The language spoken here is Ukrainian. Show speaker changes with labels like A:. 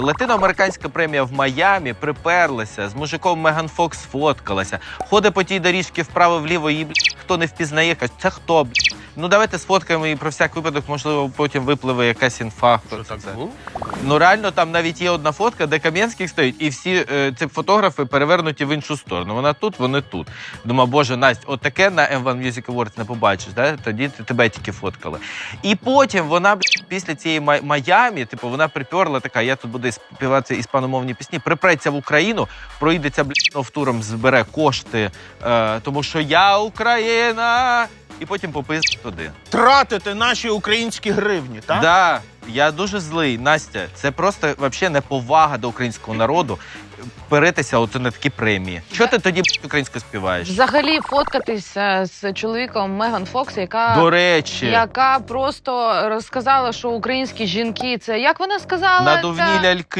A: Латиноамериканська премія в Майамі приперлася, з мужиком Меган Фокс сфоткалася, ходить по тій доріжці вправо-вліво, її, хто не впізнає, каже, це хто, Ну, давайте сфоткаємо і про всяк випадок, можливо, потім випливе якась інфа.
B: Що так було?
A: Ну, реально, там навіть є одна фотка, де Кам'янських стоїть, і всі ці фотографи перевернуті в іншу сторону. Вона тут, вони тут. Думаю, боже, Настя, от таке на M1 Music Awards не побачиш, да? Тоді тебе тільки фоткали. І потім вона, після цієї Майамі, типу, вона приперла така, я тут буду співати іспаномовні пісні, припреться в Україну, проїдеться, туром, збере кошти, тому що я Україна, і потім попиздить туди.
B: Тратити наші українські гривні, так?
A: Да, я дуже злий, Настя. Це просто взагалі неповага до українського народу перетися от на такі премії. Що ти тоді українською співаєш?
C: Взагалі фоткатися з чоловіком Меган Фокс,
A: До речі,
C: яка просто розказала, що українські жінки – це, як вона сказала?
A: надувні ляльки.